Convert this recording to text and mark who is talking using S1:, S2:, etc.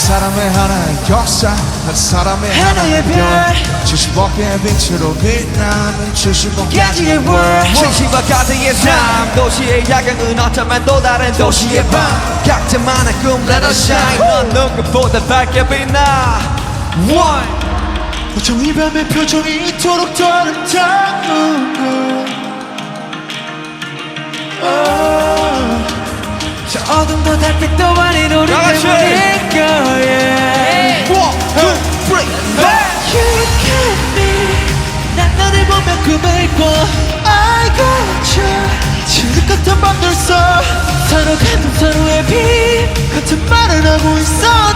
S1: 사람의 하나의 역사 한 사람의 하나의 별 70억의 빛으로 빛나는 70억가지의 world
S2: 진심과 가득의 삶 도시의 야경은 어쩌면 또 다른 도시의 밤 각자만의 꿈 let us shine 넌 누구보다 밝게 빛나 One
S1: 어쩜 이 밤의 표정이 이토록 아름다운
S2: 저 어둠도 달빛도 아닌 우리 때문일 거야
S1: One, two, three, four
S2: You got me 난 너를 보며 꿈을 꿔
S1: I got you 지금 같은 밤들 써
S2: 서로 같은 서로의 빛
S1: 같은 말을 하고 있어